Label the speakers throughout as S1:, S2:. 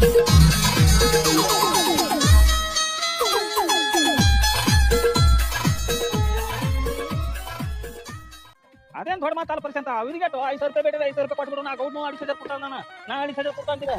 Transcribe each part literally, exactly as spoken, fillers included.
S1: ಅದೇನ್ ದೊಡ್ಡ ಮಾತಲ್ಲ ಪರ್ಸೆಂಟ್ ಅವ್ರಿಗೆ ಐದು ಸಾವಿರ ರೂಪಾಯಿ ಬೇಡ ಐದು ಸಾವಿರ ರೂಪಾಯಿ ಕೊಟ್ಬಿಡು ನಾ ಗೌಡ್ ಅಡಿಸಿ ಸಾವಿರ ಕೊಟ್ಟಾಳ ನಾನು ನಾ ಅಡಿಸಿ ಸಾವಿರ ಕೊಟ್ಟಂತಿದೆ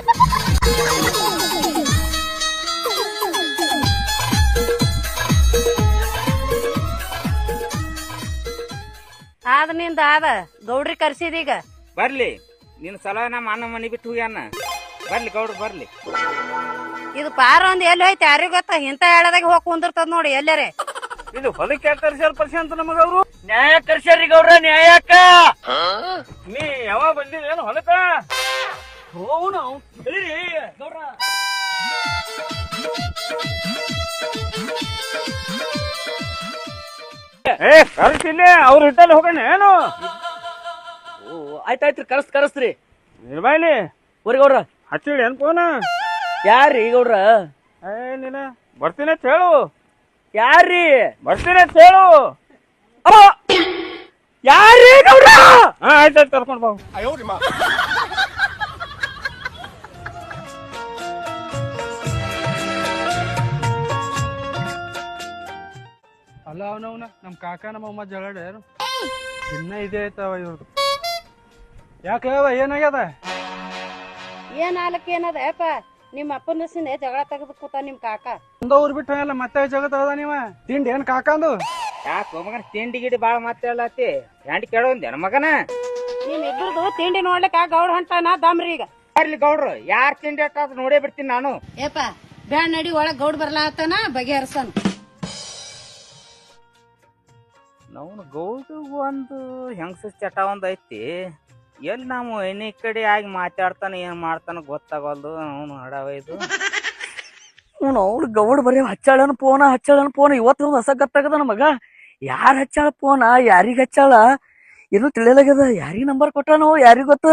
S2: ಆದ ನಿಂದ ಆದ ಗೌಡ್ರಿ ಕರ್ಸಿದೀಗ
S3: ಬರ್ಲಿ ನಿನ್ ಸಲ ನಮ್ಮ ಅಣ್ಣ ಮನಿ ಬಿಟ್ಟು ಹೋಗ್ಯಾನ ಬರ್ಲಿ ಗೌಡ್ರು ಬರ್ಲಿ.
S2: ಇದು ಪಾರ ಒಂದ್ ಎಲ್ಲಿ ಹೋಯ್ತು ಯಾರಿಗ ಗೊತ್ತ ಇಂತ ಹೇಳದಾಗ ಹೋಗಿ ಕುಂದಿರ್ತದ ನೋಡಿ ಎಲ್ಲರೇ.
S1: ಇದು ಹೊಲಕ್ಕೆ ಯಾಕೆ ಕರ್ಸ್ಯಾರ ಪರ್ಸೆಂಟ್ ನಮಗ ಅವ್ರು ನ್ಯಾಯ ಕರ್ಸ್ಯಾರಿ ಗೌಡ್ರ ನ್ಯಾಯಕ್ಕ ನೀ ಯಾವಾಗ ಬಂದಿಲ್ಲ ಏನು ಹೊಲಕ್ಕ ಹೋನು ಹೇಳಿರಿ ಗೌಡ್ರ. ಏ ಕರ್ಸಿಲ್ಲೇ ಅವ್ರ ಇಟ್ಟಲ್ಲಿ ಹೋಗೋಣ ಏನು
S4: ಆಯ್ತಾಯ್ತ್ರಿ ಕರ್ಸ್ ಕರ್ಸ್ರಿ
S1: ನಿರ್ಬಾಯ್ಲಿ
S4: ಊರಿ ಗೌಡ್ರ
S1: ಹಚ್ಚಿಡಿ ಏನ್ ಫೋನ
S4: ಯಾರ್ರಿ ಗೌಡ್ರ
S1: ಏ ನೀನ ಬರ್ತೀನಿ ಅಂತ ಹೇಳು
S4: ಯಾರ್ರಿ
S1: ಬರ್ತೀನಿ ಅಂತ ಹೇಳು
S4: ಯಾರ್ರಿ ಗೌಡ್ರ
S1: ಹಾ ಆಯ್ತಾಯ್ತು ಕರ್ಕೊಂಡ್ ಬಾ.
S5: ಅಲ್ಲ ಅವನವನ ನಮ್ ಕಾಕ ನಮ್ಮ ಅಮ್ಮ ಜಗಳ ಏನು ಇನ್ನ ಇದೇ ಐತವ ಇವ್ರದ್ದು ಯಾಕೆ ಏನಾಗ್ಯದ
S2: ಏನ್ ಆಲಕ್ ಏನದ ಯಪ್ಪ ನಿಮ್ಮ ಅಪ್ಪನ ಸಿಂದ ಜಗಳ ತೆಗೆದು ಕೂತ ನಿಮ್ ಕಾಕ
S5: ಒಂದ ಊರ್ ಬಿಟ್ಟು ಎಲ್ಲ ಮತ್ತೆ ಜಗತ್ ಅದ ನೀವ ತಿಂಡಿ ಏನ್ ಕಾಕಂದು
S3: ಯಾಕ ಮಗನ ತಿಂಡಿ ಗಿಡಿ ಬಾಳ ಮಾತಾಡಲತ್ತಿ ಹೆಂಡಿ ಕೇಳೋಂದೇನ ಮಗನ
S2: ನಿಮ್ ಇಬ್ಬರದು ತಿಂಡಿ ನೋಡ್ಲಿಕ್ಕ ಗೌಡ್ ಹೊಂಟಾನ ದಮ್ರಿ ಈಗ.
S3: ಬರ್ಲಿ ಗೌಡ್ರು ಯಾರ್ ತಿಂಡಿ ಅಟ್ಟ ನೋಡೇ ಬಿಡ್ತೀನಿ ನಾನು.
S2: ಯಪ್ಪ ಬ್ಯಾಡ್ ನಡಿ ಒಳಗ್ ಗೌಡ್ ಬರ್ಲಾತನ ಬಗೆಹರ್ಸನ್.
S3: ನಾವು ಗೌಡ್ರಿಗೂ ಒಂದು ಹೆಂಗಸ ಚಟ ಒಂದ್ ಐತಿ ಎಲ್ಲಿ ನಾವು ಎಣ್ಣೆ ಕಡೆ ಆಗಿ ಮಾತಾಡ್ತಾನ ಏನ್ ಮಾಡ್ತಾನ ಗೊತ್ತಾಗಲ್ದು ಅವನು ಹಡವ ಇದು
S4: ಅವ್ಳು ಗೌಡ್ ಬರೀ ಹಚ್ಚಾಳನ ಫೋನ ಹಚ್ಚಾಳನ ಫೋನ್ ಇವತ್ತು ಹೊಸ ಗೊತ್ತಾಗದ ನಮಗ ಯಾರ್ ಹಚ್ಚಾಳ ಫೋನ ಯಾರಿಗ ಹಚ್ಚಾಳ ಏನು ತಿಳಿಯಲಾಗ್ಯದ ಯಾರಿಗ ನಂಬರ್ ಕೊಟ್ಟಾನೋ ಯಾರಿಗ ಗೊತ್ತ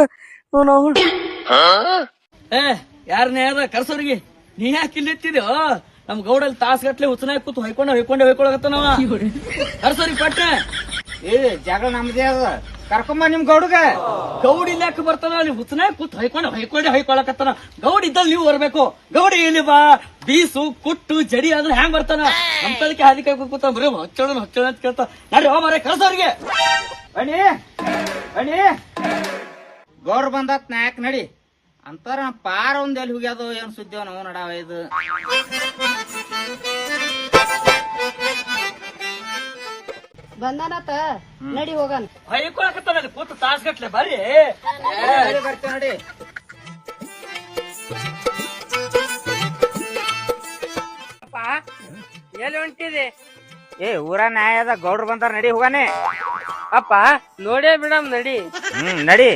S6: ಏ ಯಾರನ್ನೇ ಅದ ಕರ್ಸೋರಿಗೆ ನೀ ಯಾಕೆ ಇಲ್ಲಿ ಎತ್ತಿದ್ಯೋ ನಮ್ ಗೌಡಲ್ಲಿ ತಾಸ್ ಗಟ್ಲೆ ಹುಚ್ಚನಾಗ ಕೂತು ಹೊಯ್ಕೊಂಡ ಹೊಯ್ಕೊಂಡೆ ಹೊಯ್ಕೊಳಗತ್ತ ನಾವ ಕರ್ಸೋರಿಗೆ ಪಟ್ನೆ
S3: ಏ ಜಗಳ ನಮ್ದೇ ಅದ ಕರ್ಕೊಂಬ ನಿಮ್ ಗೌಡ್ಗ
S6: ಗೌಡ್ ಇಲ್ಲಿ ಯಾಕೆ ಬರ್ತಾನ ಅಲ್ಲಿ ಹುಚ್ಚನಾಗ ಕೂತ್ ಹೊಯ್ಕೊಂಡೆ ಹೊಯ್ಕೊಂಡೆ ಹೊಯ್ಕೊಳಕತ್ತಾನ ಗೌಡ್ ಇದ್ದಲ್ಲಿ ನೀವು ಬರ್ಬೇಕು ಗೌಡ ಇಲ್ಲಿ ಬಾ ಬೀಸು ಕುಟ್ಟು ಜಡಿ ಅಂದ್ರೆ ಹ್ಯಾಂಗ್ ಬರ್ತಾನ ಅಂತದಕ್ಕೆ ಹಾದಿ ಕೈ ಕೂತ ಬರೀ ಹೊಚ್ಚೋಳ ಹೊಚ್ಚೋಳ ಅಂತ ಕೇಳ್ತಾ ನಡ್ರಿ ಹೋ ಮಾರೇ ಕರ್ಸೋರಿಗೆ
S3: ಬನ್ನಿ ಬನ್ನಿ ಗೌಡ್ರು ಬಂದತ್ ನಾಯಕ್ ನಡಿ ಅಂತಾರ ಪಾರ ಒಂದ್ ಎಲ್ಲಿ ಹೋಗ್ಯಾದು ಏನ್ ಸುದ್ದಿವ ನಾವು ನಡಾವ ಇದು
S2: ಬಂದಾನತ ನಡಿ ಹೋಗನ್
S6: ಹೊಯ್ಕೊಳಕತ್ತಾನ ಅಲ್ಲಿ ಕೂತು ತಾಸ್ ಗಟ್ಲೆ ಬರ್ರಿ
S3: ಬರ್ತೇವೆ ನೋಡಿ.
S4: ಎಲ್ಲಿ ಹೊಂಟಿದೆ
S3: ಏ ಊರ ನ್ಯಾಯದ ಗೌಡ್ರು ಬಂದಾರ ನಡಿ ಹೋಗಾನೆ
S4: ಅಪ್ಪ ನೋಡೇ ಬಿಡಮ್ ನಡಿ
S3: ಹ್ಮ್ ನಡಿ.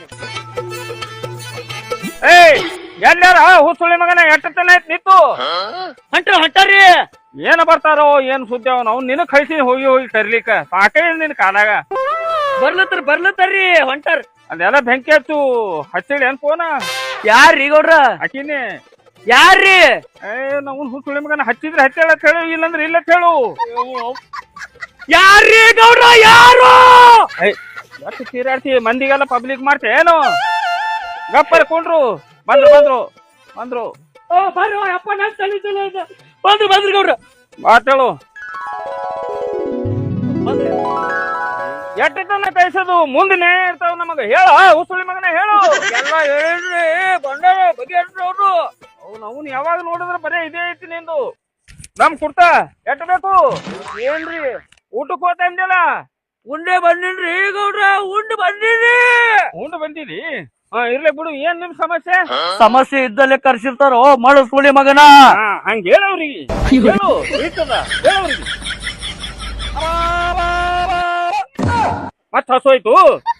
S1: ಏಯ್ ಎಲ್ಲಾರ ಹುಸುಳಿ ಮಗನ ಎಟ್ಟತನ ಐತ್ ನಿಂತು
S6: ಹೊಂಟ್ರ ಹೊಂಟಾರಿ
S1: ಏನ ಬರ್ತಾರೋ ಏನ್ ಸುದ್ದಿ ಅವನು ಅವ್ನು ನಿನಗ್ ಕಳ್ಸಿ ಹೋಗಿ ಹೋಗಿ ಕರ್ಲಿಕ್ಕ ಸಾಕೇ ನಿನ್ ಕಾಲಾಗ
S6: ಬರ್ಲತ್ತಾರ ಬರ್ಲತ್ತಾರ್ರಿ ಹೊಂಟಾರ
S1: ಅದೆಲ್ಲ ಬೆಂಕಿ ಹಚ್ಚು ಹಚ್ಚಿಡಿ ಏನ್ ಫೋನ
S4: ಯಾರ್ರಿ ಗೌಡ್ರ
S1: ಹಾಕಿನಿ
S4: ಯಾರ್ರಿ
S1: ಏ ನಾವು ಹುಸುಳಿ ಮಗನ ಹಚ್ಚಿದ್ರೆ ಹಚ್ಚೇಳ ಹೇಳು ಇಲ್ಲಂದ್ರೆ ಇಲ್ಲ ಹೇಳು
S4: ಯಾರ್ರಿ ಗೌಡ್ರ ಯಾರು
S1: ಎಷ್ಟು ಚೀರಾಡ್ತಿ ಮಂದಿಗೆಲ್ಲ ಪಬ್ಲಿಕ್ ಮಾಡ್ತೆ ಏನು ಗಪ್ಪರ್ ಕೊಂಡ್ರು ಬಂದ್ರು ಬಂದ್ರು ಬಂದ್ರು
S6: ಓ ಬರ್ರಿ ಅಪ್ಪ ನಾನ್ ತಲೆ ತಲೆ ಬಂದ್ರು ಬಂದ್ರಿ ಗೌಡ್ರ
S1: ಮಾತೇಳು ಎಟ್ಟನ ಕೈಸೋದು ಮುಂದೆ ನ್ಯಾಯ ಇರ್ತಾವ ನಮಗ ಹೇಳ ಹುಸುಳಿ ಮಗನ ಹೇಳು ಎಲ್ಲ ಹೇಳ್ರಿ ಬಂಡಾರ ಬಗೆಹರ್ಸ್ರಿ ಅವ್ರು ಅವ್ನು ಅವ್ನು ಯಾವಾಗ ನೋಡಿದ್ರೆ ಬರೇ ಇದೇ ಐತಿ ನಿಂದು ನಮ್ ಕುರ್ತಾ ಎಟ್ಟ ಬೇಕು ಏನ್ರಿ ಊಟಕ್ಕೆ ಹೋಗ್ತಾ ಇದ್ದಿಲ್ಲ
S6: ಉಂಡೆ ಬಂದಿನ್ರಿ ಗೌಡ್ರ ಉಂಡು ಬಂದಿನಿ
S1: ಉಂಡು ಬಂದಿರಿ ಹಾ ಇರ್ಲಿ ಬಿಡು ಏನ್ ನಿಮ್ ಸಮಸ್ಯೆ
S4: ಸಮಸ್ಯೆ ಇದ್ದಲ್ಲೇ ಕರ್ಸಿರ್ತಾರೋ ಮಾಡು ಸುಳಿ ಮಗನ
S1: ಹಂಗ ಹೇಳವ್ರಿಗೆ ಹೇಳು ಇರ್ತದ ಹೇಳವ್ರಿಗೆ ಮತ್ ಹಸೋಯ್ತು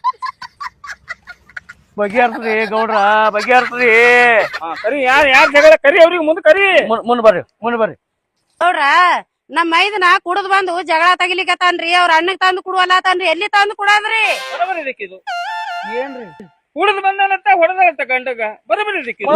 S4: ಬಗೆಹರ್ಸ್ರಿ ಗೌಡ್ರ ಬಗೆಹರ್ಸ್ರಿ
S1: ಕರಿ ಯಾರ್ ಯಾರ್ ಜಗಳ ಕರಿ ಅವ್ರಿಗೆ ಮುಂದೆ ಕರಿ
S4: ಮುಂದ್ ಬರ್ರಿ ಮುಂದ್ ಬರ್ರಿ
S2: ಗೌಡ್ರ ನಮ್ ಮೈದನ ಕುಡದ್ ಬಂದು ಜಗಳ ತಗಿಲಿಕತ್ತಾನ್ರಿ ಅವ್ರ ಅಣ್ಣಗ್ ತಂದು ಕುಡುವಲ್ಲತಾನ್ರಿ ಎಲ್ಲಿ ತಂದು ಕುಡದ್ರಿ
S1: ಬರಬರಿ ಇದಕ್ಕಿದು ಏನ್ರಿ ಕುಡಿದು ಬಂದನಂತ ಹೊಡೆದಳಂತ ಗಂಡಗ ಬರಬರಿ ಇದಕ್ಕಿದು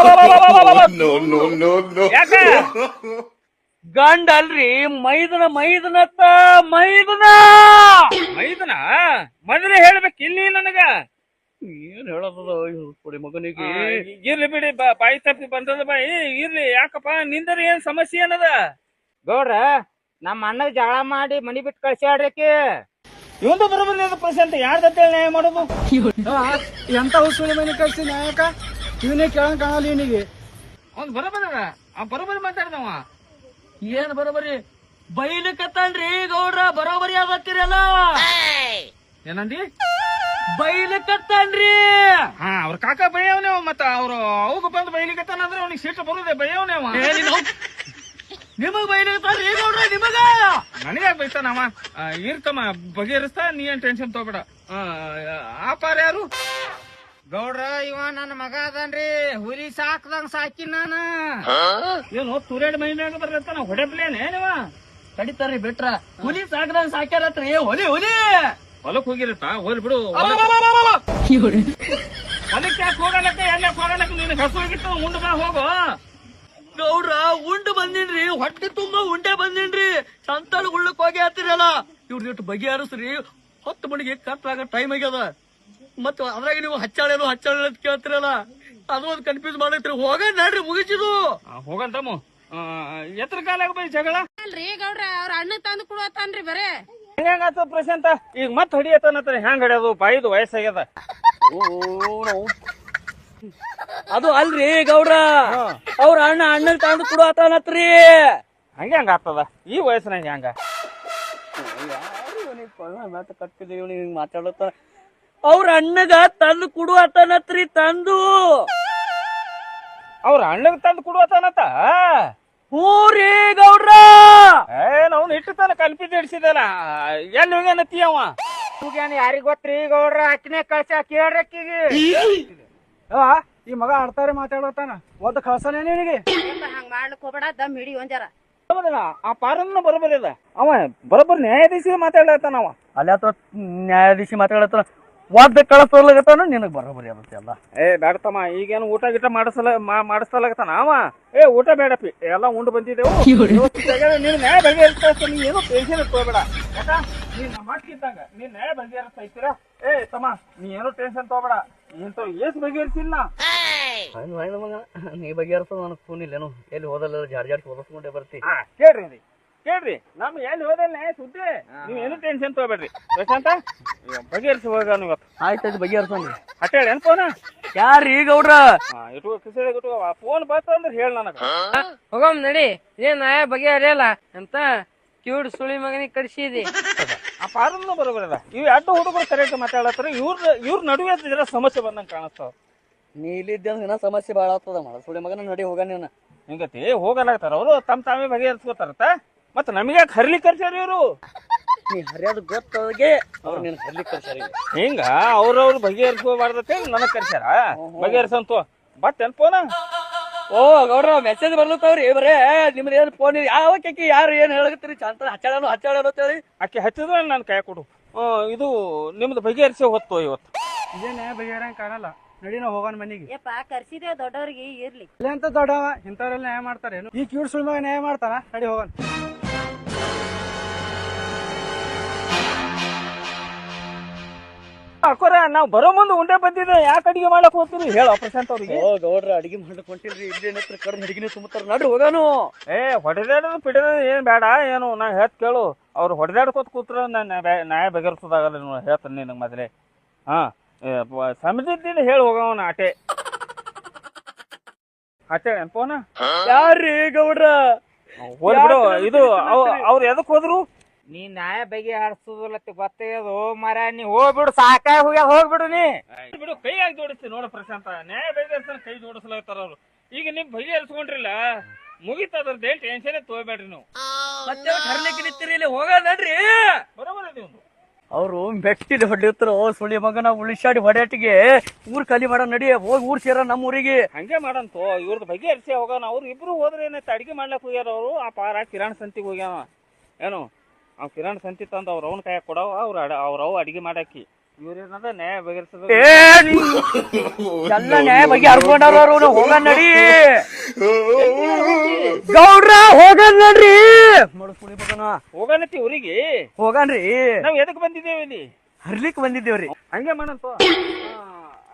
S1: ಯಾಕ
S4: ಗಂಡ ಅಲ್ರಿ ಮೈದನ ಮೈದನತ್ತ ಮೈದನ
S1: ಮೈದನ ಮೊದಲೇ ಹೇಳ್ಬೇಕು ಇಲ್ಲಿ ನನಗ
S4: ಏನ್ ಹೇಳದ ಹುಡುಡಿ ಮಗನಿಗೆ
S1: ಇರ್ಲಿ ಬಿಡಿ ಬಾ- ಬಾಯಿ ತಪ್ಪಿ ಬಂದದ ಬಾಯಿ ಇರ್ಲಿ ಯಾಕಪ್ಪ ನಿಂದರ ಏನ್ ಸಮಸ್ಯೆ ಏನದ
S3: ಗೌಡ್ರ ನಮ್ಮ ಅಣ್ಣಗ್ ಜಗಳ ಮಾಡಿ ಮನಿ ಬಿಟ್ಟು ಕಳ್ಸ್ಯಾಡ್ರಿಕಿ.
S1: ಇವಂದು ಬರೋಬರಿ ಪ್ರಶಾಂತ್ ಯಾರ್ದಂತೇಳಿ ನ್ಯಾಯ ಮಾಡೋದು
S5: ಎಂತ ಹುಸುಳಿ ಮನೆ ಕಳ್ಸಿ ನಾಯಕ ಇವನೇ ಕೇಳಂಗ್ ಕಾಣಲ್ಲ ಇವನಿಗೆ.
S1: ಅವ್ನ್ ಬರೋಬರಿ ಅದ ಆ ಬರೋಬರಿ ಮಾತಾಡ್ದವ
S6: ಏನ್ ಬರೋಬರಿ ಬೈಲಿಕತ್ತಾನ್ರಿ ಗೌಡ್ರ ಬರೋಬರಿ ಆಗತ್ತಿರಲ್ಲ
S1: ಏನಂದಿ
S6: ಬೈಲಿಕತ್ತಾನ್ರಿ.
S1: ಹಾ ಅವ್ರ ಕಾಕ ಬೈಯವನೇ ಅವ ಮತ್ತ ಅವ್ರು ಅವಾಗ ಬಂದು ಬೈಲಿಕತ್ತಾನಂದ್ರೆ ಅವ್ನಿಗೆ ಸಿಟ್ಟು ಬರುದೇ ಬೈಯವನೇ ಅವ
S6: ನಿಮಗ್ ಬೈಲಿಕತ್ತಾನ್ರಿ ಗೌಡ್ರ ನಿಮಗ
S1: ನನಗ್ಯಾಕ ಬೈತಾನವ ಇರ್ತಮ್ಮ ಬಗೆಹರಿಸ್ತಾ ನೀ ಏನ್ ಟೆನ್ಷನ್ ತಗೋಬೇಡ ಆ ಪಾರ ಯಾರು
S3: ಗೌಡ್ರ ಇವ ನನ್ನ ಮಗ ಅದನ್ರಿ, ಹುಲಿ ಸಾಕ್ದಂಗ್ ಸಾಕಿ ನಾನು.
S1: ಏನು ತುರೇಡ್ ಮೈನ್ಯಾಗ ಬರ್ತಾನ ಹೊಡೆಪ್ಲೇನೆ ನೀವ
S6: ಕಡಿತಾರ್ರಿ ಬಿಟ್ರ ಹುಲಿ ಸಾಕ್ದಂಗ್ ಸಾಕ್ಯಾರತ್ರಿ ಹುಲಿ ಹುಲಿ
S1: ಹೊಲಕ್ ಹೋಗಿರತ್ತ ಹೋಲ್ ಬಿಡು ಹೊಲಕ್ಕೆ ಯಾಕೆ ಹೋಗಲಕ್ಕ ಎಲ್ಲ ಹೋಗಲಕ್ಕ ನಿನ್ ಹಸು ಹೋಗಿತ್ತು ಮುಂದೆ ಬಾ ಹೋಗು
S6: ಗೌಡ್ರ ಉಂಡು ಬಂದಿನ್ರಿ ಹೊಟ್ಟೆ ತುಂಬಾ ಉಂಡೆ ಬಂದಿನ್ರಿ ಸಂತಾಳ ಉಳ್ಳಕ್ ಹೋಗಿ ಹತ್ತಿರಲ್ಲ ಇವ್ರ ಇಟ್ಟು ಬಗೆಹರಿಸ್ರಿ ಹತ್ತು ಮಣಿಗೆ ಕಟ್ಟಾಗ ಟೈಮ್ ಆಗ್ಯದ ಮತ್ತ ಅದ್ರಾಗ ನೀವು ಹಚ್ಚಾಳೇನು ಹಚ್ಚಾಳ ಅಂತ ಕೇಳ್ತಿರಲ್ಲ ಅದು ಒಂದು ಕನ್ಫ್ಯೂಸ್ ಮಾಡೈತ್ರಿ ಹೋಗ ನಡ್ರಿ ಮುಗಿಸಿದು
S1: ಹೋಗಂತಮ್ಮ ಎತ್ತರ ಕಾಲಾಗ ಬೈ ಜಗಳ
S2: ಅಲ್ರಿ ಗೌಡ್ರ ಅವ್ರ ಅಣ್ಣ ತಂದು ಕೊಡುವತ್ತಾನ್ರಿ ಬರೇ
S1: ಹೆಂಗಾತ ಪ್ರಶಾಂತ ಈಗ ಮತ್ ಹೊಡಿಯತ್ತನತ್ರ ಹೆಂಗ್ ಹೊಡ್ಯೋದು ಬಾಯಿದು ವಯಸ್ಸಾಗ್ಯದ
S4: ಅದು ಅಲ್ರಿ ಗೌಡ್ರ ಅವ್ರ ಅಣ್ಣ ಅಣ್ಣಗ್ ತಂದು ಕೊಡುವತ್ತಾನತ್ರಿ.
S1: ಹಂಗೆ ಹಂಗ ಆಗ್ತದ ಈ ವಯಸ್ಸಿನಾಗ ಹೆಂಗ
S4: ಕಟ್ಟಿದೀವಿ ಹಿಂಗ್ ಮಾತಾಡತ್ತ ಅವ್ರ ಅಣ್ಣಗ ತಂದು ಕೊಡುವತ್ತಾನತ್ರಿ ತಂದು
S1: ಅವ್ರ ಅಣ್ಣಗ್ ತಂದು ಕೊಡುವತ್ತಾನತ್ತ
S4: ಹ್ಞೂ ರೀ ಗೌಡ್ರ.
S1: ಏನ್ ಅವ್ನು ಇಟ್ಟು ತಾನ ಕಲ್ಪಿಸಿ ಹಿಡ್ಸಿದಲ್ಲ ಎಲ್ಲಿ ಹೋಗ್ಯಾನತ್ತಿ ಅವ
S3: ಯಾರಿಗ್ ಗೊತ್ತ್ರಿ ಗೌಡ್ರ ಅಕ್ಕಿನೇ ಕಳ್ಸ ಕೇಳ್ರಕ್ಕಿಗೆ.
S5: ಈ ಮಗ ಆಡ್ತಾರೆ ಮಾತಾಡತಾನ ಒದ್ದು ಕಳ್ಸನೇ ನಿನಗೆ.
S2: ಹಂಗ ಮಾಡ್ಲಿಕ್ ಹೋಗ್ಬೇಡ ದಮ್ ಹಿಡಿ ಒಂಜಾರ
S1: ಬರೋದಿಲ್ಲ ಆ ಪಾರನ್ನ ಬರೋಬರಿ ಅದ ಅವ ಬರೋಬ್ಬರಿ ನ್ಯಾಯಾಧೀಶ ಮಾತಾಡ್ಲತ್ತಾನ ಅವ
S4: ಅಲ್ಲಿ ಅಥವಾ ನ್ಯಾಯಾಧೀಶಿ ಮಾತಾಡತ್ತಾನ ಒದ್ದ ಕಳಿಸ್ತಾನ ನಿನಗ್ ಬರೋಬರಿ ಆಗತ್ತೆ ಎಲ್ಲ.
S1: ಏ ಬೇಡತಮ್ಮ ಈಗೇನು ಊಟ ಗಿಟ ಮಾಡಿಸಲ ಮಾಡಿಸ್ತಲಾಗತ್ತಾನ ಅವ ಏ ಊಟ ಬೇಡಪ್ಪಿ ಎಲ್ಲ ಉಂಡು ಬಂದಿದ್ದೆವು ನೀನ್ ನ್ಯಾಯ ಬಗೆಹರಿಸ್ತಾ ನೀ ಏನು ಟೆನ್ಷನ್ ತಗೋಬೇಡ ಯಾಕ ನೀನ್ ನಮ್ಮ ಮಟ್ಟಿದ್ದಂಗ ನೀನ್ ನ್ಯಾಯ ಬಗೆಹರಿಸ್ತಾ ಇರ್ತೀರ. ಏ ತಮ್ಮ ನೀ ಏನು ಟೆನ್ಷನ್ ತಗೋಬೇಡ ಇಂತ ಏಸ್ ಬಗೆಹರಿಸಿಲ್ಲ
S4: ನೀ ಬಗೆಹರಿಸೋದು ನನಗೆ ಫೋನ್ ಇಲ್ಲೇನು ಎಲ್ಲಿ ಹೋದಲ್ಲ ಜಾಡ್ ಜಾಡ್ ಓದಿಸ್ಕೊಂಡೇ ಬರ್ತಿ.
S1: ಕೇಳ್ರಿ ಕೇಳ್ರಿ ನಮ್ ಎಲ್ಲಿ ಹೋದಲ್ಲ ನ್ಯಾಯ ಸುದ್ದಿ ನೀವ್ ಏನು ಟೆನ್ಷನ್ ತಗೋಬೇಡ್ರಿ ಪ್ರಶಾಂತ ಬಗೆಹರಿಸಿ ಹೋಗ ಇವತ್ತು
S4: ಆಯ್ತಾಯ್ತು ಬಗೆಹರಿಸೋಣ.
S1: ಹಟ್ಟೇಳಿ ಏನ್ ಫೋನ್
S4: ಯಾರೀ ಗೌಡ್ರ
S1: ಇಟ್ಕೋ ಕಿಸೆ ಇಟ್ಕೋ ಫೋನ್ ಬಂತ ಅಂದ್ರೆ ಹೇಳ ನನಗ
S7: ಹೋಗಮ್ ನಡಿ ಏನ್ ನಾಯ ಬಗೆಹರಿಯಲ್ಲ ಅಂತ ಕಿವಿಡ್ ಸುಳಿ ಮಗನಿಗೆ ಕಡಿಸಿದಿ.
S1: ಆ ಪಾರನ್ನು ಬರೋಬರ ಇವ್ ಎರಡು ಹುಡುಗರು ಕರೆಕ್ಟ್ ಮಾತಾಡತ್ತಾರ ಇವ್ರ ಇವ್ರ ನಡುವೆ ಜರ ಸಮಸ್ಯೆ ಬಂದಂಗ ಕಾಣಿಸ್ತಾವ.
S4: ನೀ ಇಲ್ಲಿದ್ದ ದಿನ ಸಮಸ್ಯೆ ಬಾಳ ಆಗ್ತದ ಮಳ ಸುಳಿ ಮಗನ ನಡಿ ಹೋಗ ನೀನ
S1: ಹಿಂಗತಿ ಹೋಗಲಾಗ್ತಾರ ಅವರು ತಮ್ ತಾವೇ ಬಗೆಹರಿಸ್ಕೋತಾರತ್ತ ಮತ್ತ ನಮಗೆ ಹರ್ಲಿ ಕರ್ಸ್ಯಾರ ಇವ್ರು
S4: ನೀ ಹರಿಯೋದು ಗೊತ್ತಾಗೆ ಅವ್ರು ನೀನ್ ಹರ್ಲಿಕ್ಕೆ ಕಳ್ಸ್ಯಾರ ಈಗ.
S1: ಹಿಂಗ ಅವ್ರವ್ರು ಬಗೆಹರಿಸ್ಕೋಬಾರ್ದತ್ತೆ ನನಗ್ ಕರ್ಸ್ಯಾರ ಬಗೆಹರಿಸಂತು ಬಟ್ ಏನ್ ಫೋನ
S4: ಓ ಗೌಡ್ರ ಮೆಸೇಜ್ ಬರ್ಲತ್ತವ್ರಿ ಬರೇ ನಿಮ್ದು ಏನ್ ಫೋನ್ ಯಾವ ಕೇಕಿ ಯಾರು ಏನ್ ಹೇಳಕತ್ತೀರಿ ಚಂತ ಹಚ್ಚಾಳನು ಹಚ್ಚಾಳನು ಅಂತೇಳಿ
S1: ಆಕೆ ಹಚ್ಚಿದ್ರೆ ನನ್ ಕೈ ಕೊಡು ಇದು ನಿಮ್ದು ಬಗೆಹರಿಸಿ ಹೊತ್ತು ಇವತ್ತು
S5: ಇದೇ ನ್ಯಾಯ ಬಗೆಹರಂಗ್ ಕಾಣಲ್ಲ. ನಡಿ ನಾವು ಹೋಗೋಣ ಮನಿಗೆ.
S2: ಯಪ್ಪ ಕರ್ಸಿದೇವ್ ದೊಡ್ಡವ್ರಿಗೆ ಇರ್ಲಿ
S5: ಇಲ್ಲ ಅಂತ ದೊಡ್ಡವ ಇಂಥವ್ರೆಲ್ಲ ನ್ಯಾಯ ಮಾಡ್ತಾರೆ ಈ ಕ್ಯೂಟ್ ಸುಳ್ಳು ಮಗ ನ್ಯಾಯ ಮಾಡ್ತಾರ. ನಡಿ ಹೋಗೋಣ.
S1: ಅಕ್ಕೋರ ನಾವ್ ಬರೋ ಮುಂದೆ ಉಂಡೆ ಬಂದಿದ್ದೆ ಯಾಕೆ ಅಡಿಗೆ ಮಾಡಕ್ ಹೋಗ್ತೀರಿ ಹೇಳ ಪ್ರಶಾಂತ್ ಅವ್ರಿಗೆ.
S4: ಓ ಗೌಡ್ರ ಅಡಿಗೆ ಮಾಡಕ್ ಹೊಂಟಿಲ್ರಿ ಇಲ್ಲೇನತ್ರ ಕಡ್ದು ಅಡಿಗೆನೇ ತುಂಬತಾರ ನಡ್ರಿ ಹೋಗಾನು.
S1: ಏ ಹೊಡೆದಾಡೋದು ಪಿಡೋದು ಏನ್ ಬೇಡ ಏನು ನಾ ಹೇಳ್ತ ಕೇಳು ಅವ್ರು ಹೊಡೆದಾಡ್ಕೋತ ಕೂತ್ರ ನ್ಯಾಯ ಬಗೆಹರಿಸೋದಾಗಲ್ಲ ನೀವು ಹೇಳ್ತಾನೆ ನಿನಗೆ ಮೊದಲೇ. ಹಾ ಸಮಿತಿದ್ದ ಹೇಳಿ ಹೋಗವನ ಆಟೆ ಆಟೆ ಫೋನ
S4: ಯಾರ್ರಿ ಗೌಡ್ರ
S1: ಹೋಲ್ ಬಿಡು ಇದು ಅವ್ರು ಎದಕ್ ಹೋದ್ರು
S3: ನೀ ನ್ಯಾಯ ಬಗೆಹರಿಸೋದಿಲ್ಲತ್ತ ಗೊತ್ತಾಗ್ಯದು ಮರ ನೀ ಹೋಗ್ಬಿಡು ಸಾಕಾಗಿ ಹೋಗ್ಯಾದ ಹೋಗ್ಬಿಡು ನೀ
S1: ಬಿಡು ಕೈ ಆಗಿ ಜೋಡಿಸ್ತಿ ನೋಡ ಪ್ರಶಾಂತ ನ್ಯಾಯ ಬಗೆಹರಿಸ ಕೈ ಜೋಡಿಸ್ಲಾಗ್ತಾರ ಅವ್ರು. ಈಗ ನಿಮ್ ಬಗೆಹರಿಸ್ಕೊಂಡ್ರಿಲ್ಲ ಮುಗಿತದ್ರದ್ದು ಏನ್ ಟೆನ್ಷನ್ ತಗೋಬೇಡ್ರಿ ನೀವು
S4: ಮತ್ತೆ ಹರ್ಲಿಕ್ಕೆ ನಿಂತಿರಿ ಇಲ್ಲಿ ಹೋಗ ನಡ್ರಿ.
S1: ಬರೋಬರ ನೀವು
S4: ಅವ್ರು ಮೆಟ್ಟಿಲಿ ಹೊಡಿರ್ತಾರ ಸುಳಿ ಮಗನ ಉಳಿಸಾಡಿ ಹೊಡೆಟಿಗೆ ಊರ್ ಖಾಲಿ ಮಾಡ ನಡಿ ಹೋಗಿ ಊರ್ ಸೇರ ನಮ್ಮ ಊರಿಗೆ.
S1: ಹಂಗೆ ಮಾಡಂತು ಇವ್ರದ್ದು ಬಗೆಹರಿಸಿ ಹೋಗೋಣ ಅವ್ರು ಇಬ್ರು ಹೋದ್ರೆ ಏನೈತೆ ಅಡಿಗೆ ಮಾಡ್ಲಕ್ ಹೋಗ್ಯಾರ ಅವರು ಆ ಪಾರ ಕಿರಾಣ್ ಸಂತಿಗೆ ಹೋಗ್ಯಾವ ಏನು ಅವ್ ಕಿರಾಣ್ ಸಂತಿ ತಂದು ಅವ್ರ ಅವ್ನ ಕೈಯಾಗ ಕೊಡವ ಅವ್ರ ಅವ್ರ ಅವ್ ಅಡಿಗೆ ಮಾಡಾಕಿ ಇವ್ರೇನದ ನ್ಯಾಯ ಬಗೆಹರಿಸೋದು
S4: ಎಲ್ಲ ನ್ಯಾಯ ಬಗ್ಗೆ ಹರ್ಕೊಂಡವ್ರು ಹೋಗ ನಡಿ ಗೌಡ್ರ ಹೋಗ ನಡ್ರಿ ಸುಳಿ ಮಗನ
S1: ಹೋಗನತಿ ಊರಿಗೆ
S4: ಹೋಗನ್ರಿ.
S1: ನಾವ್ ಎದಕ್ ಬಂದಿದ್ದೇವೆ ಇಲ್ಲಿ
S4: ಹರ್ಲಿಕ್ ಬಂದಿದ್ದೇವ್ರಿ.
S1: ಹಂಗೆ ಮಾಡಂತು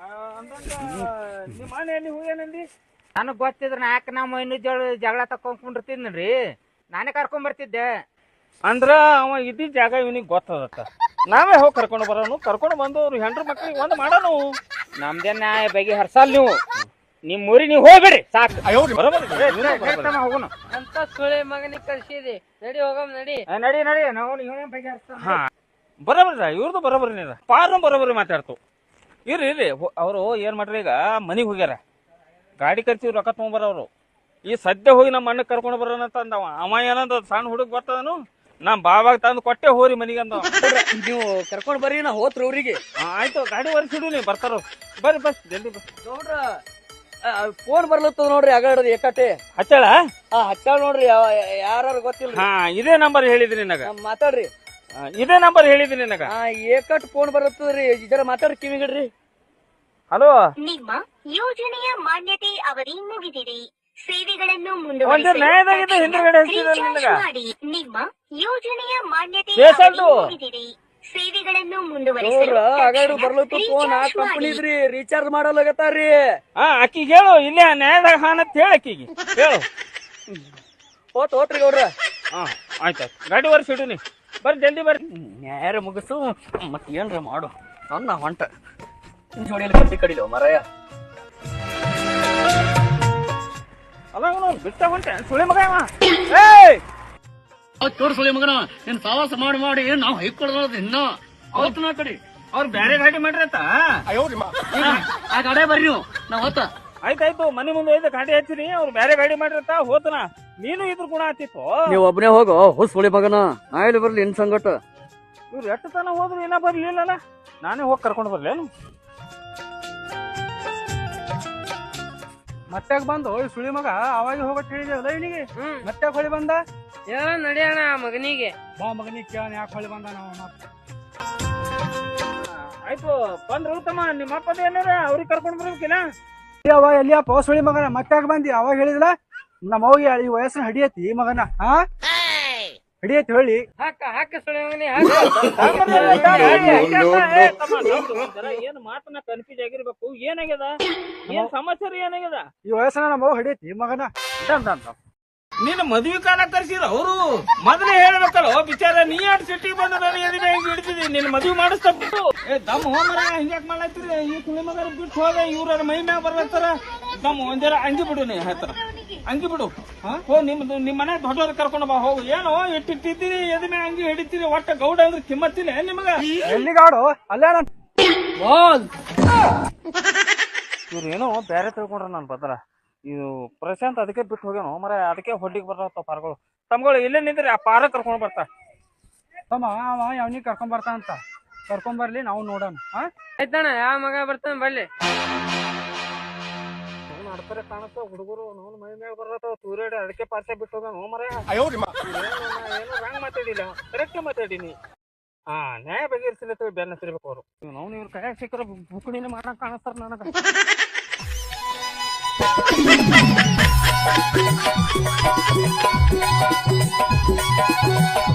S1: ಅಂದಂಗ ನಿಮ್ಮ ಮನೆಯಲ್ಲಿ ಹೋಗ್ಯಾನಂದಿ
S3: ನನಗ್ ಗೊತ್ತಿದ್ರ ನಾಲ್ಕ ನಮ್ಮ ಇನ್ನೂ ಜಗಳ ಜಗಳ ತಕೊಂಡ್ಕೊಂಡಿರ್ತಿದ್ರಿ ನಾನೇ ಕರ್ಕೊಂಡ್ ಬರ್ತಿದ್ದೆ.
S1: ಅಂದ್ರ ಅವ ಇದ್ದಿದ್ ಜಾಗ ಇವನಿಗೆ ಗೊತ್ತದತ್ತ. ನಾವೇ ಹೋಗಿ ಕರ್ಕೊಂಡು ಬರೋನು, ಕರ್ಕೊಂಡು ಬಂದು ಅವ್ರು ಹೆಂಡ್ರ ಮಕ್ಳಿಗೆ ಒಂದ್ ಮಾಡೋನು.
S3: ನಮ್ದೇನ ಬಗೆ ಹರ್ಸಲ್ ನೀವು, ನಿಮ್ ಊರಿ ನೀವು ಹೋಗ್ಬೇಡಿ ಸಾಕು.
S1: ಬರೋಬರಿ ಇದೆ, ನೀನು ಬರೋಬರಿ.
S3: ಹೇಳ್ತಾನ ಹೋಗೋಣ.
S7: ಅಂತ ಸುಳಿ ಮಗನಿಗೆ ಕಳ್ಸಿದಿ. ನಡಿ ಹೋಗಮ್ ನಡಿ.
S3: ಆ, ನಡಿ ನಡಿ ನಾವು ಇವನೇ ಬಗೆ ಹರ್ಸ್ತಾನ.
S1: ಹಾ ಬರೋಬರಿ ಇವ್ರದ್ದು ಬರೋಬರಿ ನೀರ ಪಾರ್ನು ಬರೋಬರಿ ಮಾತಾಡ್ತು. ಇರ್ರಿ ಇರ್ರಿ ಅವರು ಏನ್ ಮಾಡ್ರಿ ಈಗ ಮನಿಗ್ ಹೋಗ್ಯಾರ, ಗಾಡಿ ಖರ್ಚಿ ರೊಕ್ಕ ತಗೊಂಬರೋರು. ಈ ಸದ್ಯ ಹೋಗಿ ನಮ್ಮ ಅಣ್ಣ ಕರ್ಕೊಂಡು ಬರೋಣ ಅಂತ ಅಂದವ. ಅವ ಏನಂದ ಸಣ್ಣ ಹುಡುಗ ಬರ್ತದನು, ನಮ್ ಬಾಬಾಗ ತಂದು ಕೊಟ್ಟೆ ಹೋರಿ ಮನಿಗೆ ಅಂದವ.
S4: ನೀವು ಕರ್ಕೊಂಡ್ ಬರ್ರಿ ನಾ ಹೋತ್ರ ಊರಿಗೆ.
S1: ಆ, ಆಯ್ತು ಗಾಡಿ ಒರೆಸಿಡು ನೀ ಬರ್ತಾರ. ಬರ್ರಿ ಬಸ್ ಜಲ್ದಿ ಬಸ್.
S4: ನೋಡ್ರ ಫೋನ್ ಬರ್ಲತ್ತದ ನೋಡ್ರಿ ಆಗಾಡದ ಏಕಟೆ
S1: ಹಚ್ಚಳ.
S4: ಹಾ ಹಚ್ಚಾಳ ನೋಡ್ರಿ ಯಾರು ಗೊತ್ತಿಲ್ಲ.
S1: ಹಾ ಇದೇ ನಂಬರ್ ಹೇಳಿದ್ರಿ ನಿನಗ,
S4: ಮಾತಾಡ್ರಿ.
S1: ಆ, ಇದೇ ನಂಬರ್ ಹೇಳಿದ್ರಿ ನಿನಗ.
S4: ಹಾ ಏಕಟ್ ಫೋನ್ ಬರತ್ತದ್ರಿ, ಜರ ಮಾತಾಡ್ರಿ ಕಿವಿಗಿಡ್ರಿ.
S1: ಹಲೋ
S8: ನಿಮ್ಮ ಯೋಜನೆಯ ಮಾನ್ಯತೆ ಅವಧಿ ಮುಗಿದಿದೆ. ಸೇವೆಗಳನ್ನು
S1: ಒಂದೇ ನ್ಯಾಯದಾಗಿದೆ ಹಿಂದ್ಗಡೆ ಹಚ್ಚಿದ್ರೆ ನಿನಗ.
S8: ಮಾಡಿ. ನಿಮ್ಮ ಯೋಜನೆಯ ಮಾನ್ಯತೆ
S1: ಬೇಸಲ್ದು.
S8: ಅವಧಿ ಮುಗಿದಿದೆ. ಸೇವೆಗಳನ್ನು ಮುಂದುವರಿಸಲು
S4: ನೋಡ್ರ ಆಗಾಡು
S8: ತಕ್ಷಣ
S4: ಬರ್ಲತ್ತು ಫೋನ್ ಆ
S8: ರೀಚಾರ್ಜ್ ಮಾಡಿ.
S4: ಕಂಪನಿದ್ರಿ ರೀಚಾರ್ಜ್ ಮಾಡಲಾಗತ್ತಾರ್ರಿ.
S1: ಹಾ ಅಕ್ಕಿಗೆ ಹೇಳು, ಇಲ್ಲೇ ನ್ಯಾಯದಾಗ ಹಾನತ್ ಹೇಳ ಅಕ್ಕಿಗೆ ಹೇಳು.
S4: ಹೋತ್ ಹೋತ್ರಿ ಗೌಡ್ರ.
S1: ಹಾ ಆಯ್ತಾಯ್ತು ಗಾಡಿ ಒರೆಸಿಡು ನೀ. ಬರ್ರಿ ಜಲ್ದಿ ಬರ್ರಿ.
S4: ನ್ಯಾಯ ಮುಗಿಸು ಮತ್ ಏನ್ರ ಮಾಡು. ನನ್ನ ಹೊಂಟ ಜೋಡಿಯಲ್ಲಿ ಕಟ್ಟಿ ಕಡಿಲೋ ಮರಾಯ.
S1: ಅಲ್ಲ ಅವನು ಬಿಟ್ಟ ಹೊಂಟೆ ಸುಳಿ ಮಗ ಅವ. ಏಯ್
S6: ತೋರ್ಸಲಿ ಮಗನ ನೀನ್ ಸಾವಾಸ ಮಾಡಿ ಮಾಡಿ ನಾವ್ ಹೈಕೊಳ್ಳೋದು ಇನ್ನ ಅವತ್ತು ನಾ ಕಡಿ
S1: ಅವ್ರು ಬ್ಯಾರೆ ಗಾಡಿ ಮಾಡ್ರತ್ತ.
S6: ಆ ಗಾಡಿ ಬರ್ರಿ ನೀವು ನಾವ್ ಹೊತ್ತ
S1: ಆಯ್ತಾಯ್ತು ಮನಿ ಮುಂದೆ ಒಯ್ದು ಗಾಡಿ ಹಚ್ಚಿನಿ, ಅವ್ರು ಬ್ಯಾರೆ ಗಾಡಿ ಮಾಡಿರತ್ತ ಹೋತನ. ನೀನು ಇದ್ರ ಗುಣ ಆತಿತ್ತು.
S4: ನೀವ್ ಒಬ್ನೇ ಹೋಗೋ ಹುಸ್ ಹುಳಿ ಮಗನ, ನಾ ಇಲ್ಲಿ ಬರ್ಲಿ ಇನ್ ಸಂಗಟ.
S1: ಇವ್ರು ಎಷ್ಟು ತನ ಹೋದ್ರು ಏನ ಬರ್ಲಿಲ್ಲಲ್ಲ, ನಾನೇ ಹೋಗಿ ಕರ್ಕೊಂಡು ಬರ್ಲೇನು.
S5: ಮತ್ತೆ ಬಂದು ಈ ಸುಳಿ ಮಗ ಅವಾಗ ಹೋಗತ್ ಹೇಳಿದಲ್ಲ ಇವನಿಗೆ.
S7: ಹ್ಮ್
S5: ಮತ್ತೆ ಹೊಳಿ ಬಂದ.
S7: ಹೇಳ ನಡಿಯೋಣ ಆ ಮಗನಿಗೆ.
S5: ಬಾ ಮಗನಿಗೆ ಕೇಳ ಯಾಕೆ ಹೊಳಿ ಬಂದ ನಾವು ಮತ್ತೆ.
S1: ಆಯ್ತು ಬಂದ್ರು ತಮ್ಮ ನಿಮ್ಮ ಅಪ್ಪದ ಏನಾರ ಅವ್ರಿಗೆ ಕರ್ಕೊಂಡು ಬರ್ಬೇಕಿಲ್ಲ.
S5: ಅವ ಎಲ್ಲಿಯಪ್ಪ ಸುಳಿ ಮಗನ ಮತ್ತೆ ಬಂದಿ. ಅವಾಗ ಹೇಳಿದಿಲ್ಲ ನಮ್ಮ ಅವ್ಗೆ ಈ ವಯಸ್ಸಿನ ಹಡಿಯತಿ ಮಗನ. ಹಾ ಹಡಿಯತಿ ಹೇಳಿ.
S7: ಹಾಕ ಹಾಕ ಸುಳಿ ಮಗನಿ
S1: ಏನ್ ಮಾತನ್ನ ಕನ್ಫ್ಯೂಸ್ ಆಗಿರ್ಬೇಕು. ಏನಾಗ್ಯದ, ಏನ್ ಸಮಾಚಾರ ಏನಾಗ್ಯದ?
S5: ಈ ವಯಸ್ಸನ ನಮ್ಮ ಅವ್ವ ಹಡಿಯತಿ ಮಗನ.
S1: ನೀನು ಮದ್ವಿ ಕಾಲ ಕರ್ಸಿರ ಅವರು ಮೊದಲೇ ಹೇಳ್ಬೇಕಲ್ಲ ಬಿಚಾರ. ನೀ ಆಡ್ ಸಿಟಿಗೆ ಬಂದ ನಾನು ಎದಿನ ಹಿಂಗ್ ಹಿಡಿತಿದಿ, ನಿನ್ ಮದ್ವಿ ಮಾಡಿಸ್ತಾ ಏ ದಮ್ ಹೋಮರ ಹಿಂಗ್ಯಾಕ್ ಮಾಡ್ಲತ್ತೀರಿ? ಈ ಕುಳಿ ಮಗರ ಬಿಟ್ಟು ಹೋದ ಇವ್ರ ಮೈ ಮ್ಯಾಗ ಬರ್ಲತ್ತಾರ. ದಮ್ ಒಂದರ ಅಂಗಿ ಬಿಡು, ನೀ ಹತ್ರ ಅಂಗಿ ಬಿಡು. ಹೋ ನಿಮ್ದು ನಿಮ್ ಮನೆ ದೊಡ್ಡವ್ರ ಕರ್ಕೊಂಡು ಬಾ ಹೋಗು. ಏನೋ ಇಟ್ಟಿಟ್ಟಿದ್ದೀರಿ ಎದ ಮ್ಯಾಗ ಅಂಗಿ ಹಿಡಿತೀರಿ, ಒಟ್ಟ ಗೌಡ ಅಂದ್ರೆ ಕಿಮ್ಮತ್ತಿಲ್ಲ ನಿಮಗ.
S5: ಎಲ್ಲಿಗಾಡು ಅಲ್ಲೇ ನಾನು
S1: ಇವ್ರು ಏನೋ ಬೇರೆ ತಿಳ್ಕೊಂಡ್ರ ನಾನು ಬದಲ. ಇದು ಪ್ರಶಾಂತ್ ಅದಕ್ಕೆ ಬಿಟ್ಟು ಹೋಗ್ಯಾನೋ ಮರ, ಅದಕ್ಕೆ ಹೊಡ್ಡಿಗೆ ಬರ್ತಾವ ಪಾರ್ಗಳು. ತಮ್ಗಳು ಇಲ್ಲೇ ನಿಂದ್ರಿ, ಆ ಪಾರ ಕರ್ಕೊಂಡ್ ಬರ್ತಾ.
S5: ತಮ್ಮ ಅವ ಅವನಿಗೆ ಕರ್ಕೊಂಡ್ ಬರ್ತಾ ಅಂತ ಕರ್ಕೊಂಡ್ ಬರ್ಲಿ, ನಾವು ನೋಡೋಣ. ಹಾ
S7: ಆಯ್ತಣ್ಣ, ಯಾವ ಮಗ ಬರ್ತಾನ ಬರ್ಲಿ.
S1: ನಡ್ತಾರೆ ಕಾಣತ್ತ ಹುಡುಗರು ನೋವು ಮೈ ಮ್ಯಾಗ ಬರ್ತಾವ ತೂರೇಡಿ, ಅದಕ್ಕೆ ಪಾರ್ಸೆ ಬಿಟ್ಟು ಹೋಗ್ಯಾನೋ ಮರ. ಏನೋ ರಾಂಗ್ ಮಾತಾಡಿಲ್ಲ, ಕರೆಕ್ಟ್ ಮಾತಾಡಿನಿ. ಹಾ ನ್ಯಾಯ ಬಗೆಹರಿಸಿಲ್ಲ ಬೆನ್ನ ತಿರ್ಬೇಕು ಅವರು. ನಾವು ಇವ್ರ ಕೈಯಾಗ ಸಿಕ್ಕರ ಬುಕ್ಣಿನ ಮಾಡಕ್ ಕಾಣಿಸ್ತಾರ ನನಗ.